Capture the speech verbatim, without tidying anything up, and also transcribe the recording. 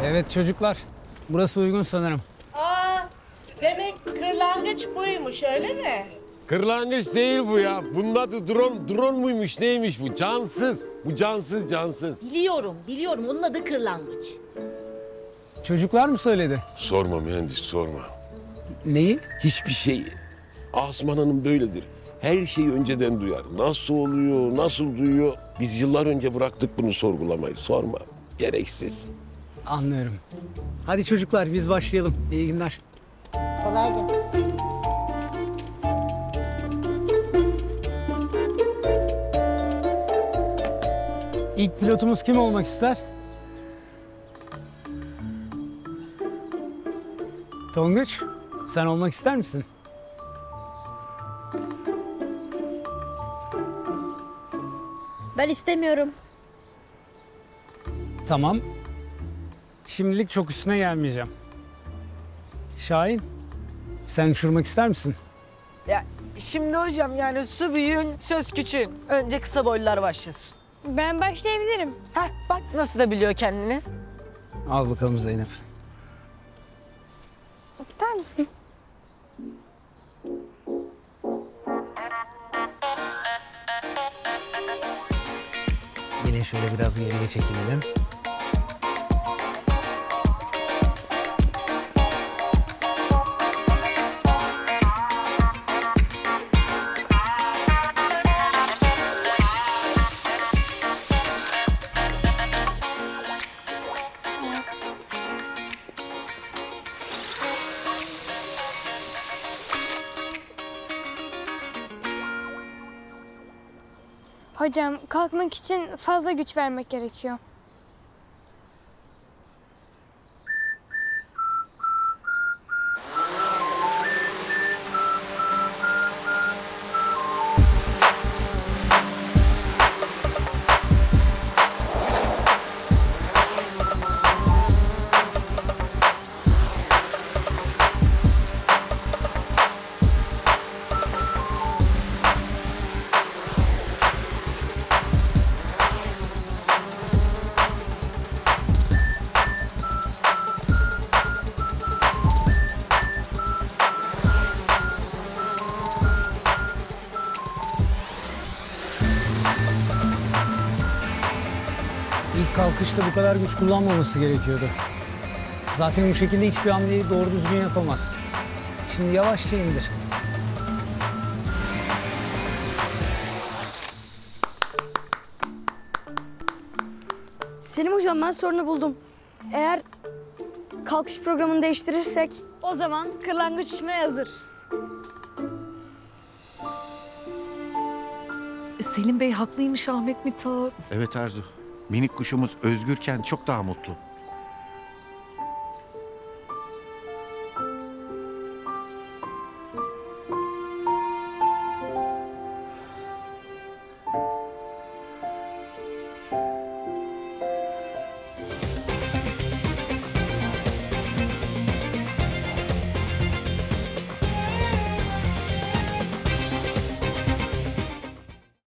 Evet çocuklar, burası uygun sanırım. Aa, demek kırlangıç buymuş öyle mi? Kırlangıç değil bu ya. Bunun adı drone, drone muymuş neymiş bu? Cansız. Bu cansız cansız. Biliyorum, biliyorum. Onun adı kırlangıç. Çocuklar mı söyledi? Sorma mühendis sorma. Neyi? Hiçbir şey. Asuman Hanım böyledir. Her şeyi önceden duyar. Nasıl oluyor, nasıl duyuyor? Biz yıllar önce bıraktık bunu sorgulamayı. Sorma. Gereksiz. Anlıyorum. Hadi çocuklar biz başlayalım. İyi günler. Kolay gelsin. İlk pilotumuz kim olmak ister? Tonguç, sen olmak ister misin? Ben istemiyorum. Tamam. Şimdilik çok üstüne gelmeyeceğim. Şahin, sen uçurmak ister misin? Ya şimdi hocam yani su büyüğün söz küçüğün. Önce kısa boylular başlasın. Ben başlayabilirim. Heh bak nasıl da biliyor kendini. Al bakalım Zeynep. Tutar mısın? Yine şöyle biraz geriye çekilelim. Hocam kalkmak için fazla güç vermek gerekiyor. İlk kalkışta bu kadar güç kullanmaması gerekiyordu. Zaten bu şekilde hiçbir hamleyi doğru düzgün yapamaz. Şimdi yavaşça indir. Selim hocam ben sorunu buldum. Eğer kalkış programını değiştirirsek O zaman kırlangıç uçmaya hazır. Selim Bey haklıymış Ahmet Mithat. Evet Arzu. Minik kuşumuz özgürken çok daha mutlu.